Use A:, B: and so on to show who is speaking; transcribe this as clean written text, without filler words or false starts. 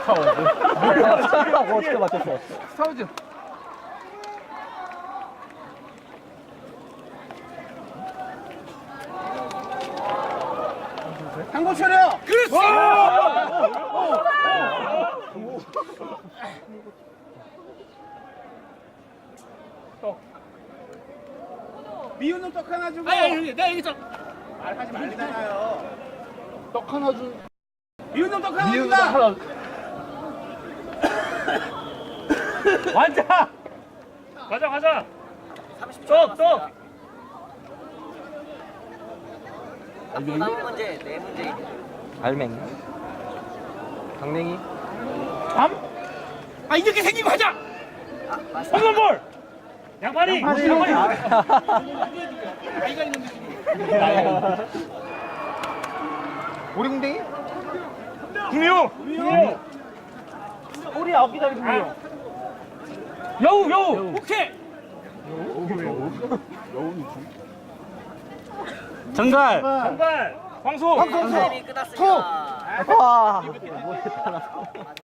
A: 스타워즈. 어떻게 맞췄어?
B: 스타워즈. 한국 차려. 그렇지. 미운 놈 떡 하나 주고. 아니, 내가 여기서 말하지 말잖아요. 떡 하나 주. 미운 놈 떡 하나 준다.
C: 완자. 가자. 떡.
D: 남은 문제, 네 문제.
A: 알맹이. 강냉이.
C: 밤. 아 이렇게 생긴 거 하자.
D: 아, 맞습니다.
C: 홈런볼. 양파리.
A: 오리궁뎅이?
C: 구미호.
A: 오리 9개짜리 궁뎅이.
C: 여우. 오케이.
A: 정갈.
C: 정갈. 황소.
D: 타임이 끝났습니다.
A: 와.